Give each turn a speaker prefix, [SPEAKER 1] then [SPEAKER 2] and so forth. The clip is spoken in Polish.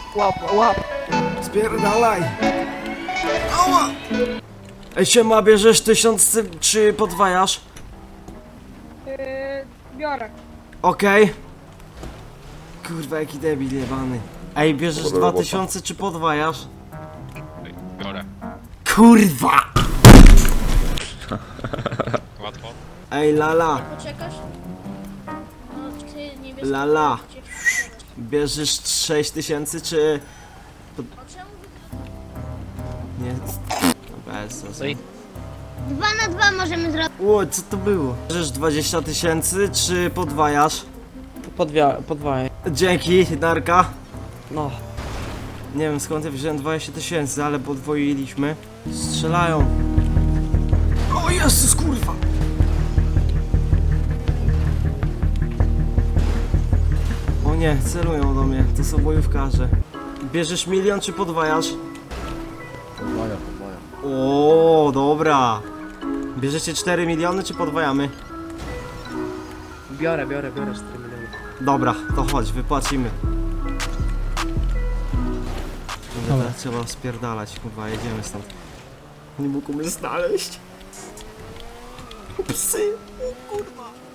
[SPEAKER 1] Łap.
[SPEAKER 2] Spierdalaj! Ała! Ej, siema, bierzesz 1000 czy podwajasz?
[SPEAKER 1] Biorę.
[SPEAKER 2] Okej. Kurwa, jaki debil jebany. Ej, bierzesz 2000 czy podwajasz?
[SPEAKER 3] Biorę.
[SPEAKER 2] Kurwa!
[SPEAKER 3] Łatwo.
[SPEAKER 2] Ej, lala,
[SPEAKER 4] Poczekasz? No, ty nie wiesz...
[SPEAKER 2] lala. Bierzesz 6000 czy...
[SPEAKER 4] O czemu wy...
[SPEAKER 2] Nie... Bez sensu.
[SPEAKER 4] 2 na 2 możemy zrobić.
[SPEAKER 2] Ło, co to było? Bierzesz 20 000 czy podwajasz?
[SPEAKER 1] Podwajaj.
[SPEAKER 2] Dzięki, Darka.
[SPEAKER 1] No.
[SPEAKER 2] Nie wiem skąd ja wziąłem 20 000, ale podwoiliśmy. Strzelają. O Jezus, kurwa! O nie, celują do mnie, to są bojówkarze. Bierzesz 1 000 000 czy podwajasz?
[SPEAKER 5] Podwaja.
[SPEAKER 2] O, dobra. Bierzecie 4 miliony czy podwajamy?
[SPEAKER 1] Biorę 4 miliony.
[SPEAKER 2] Dobra, to chodź, wypłacimy. Dobra, trzeba spierdalać, kurwa, jedziemy stąd. Nie mógł mnie znaleźć. Psy, o kurwa.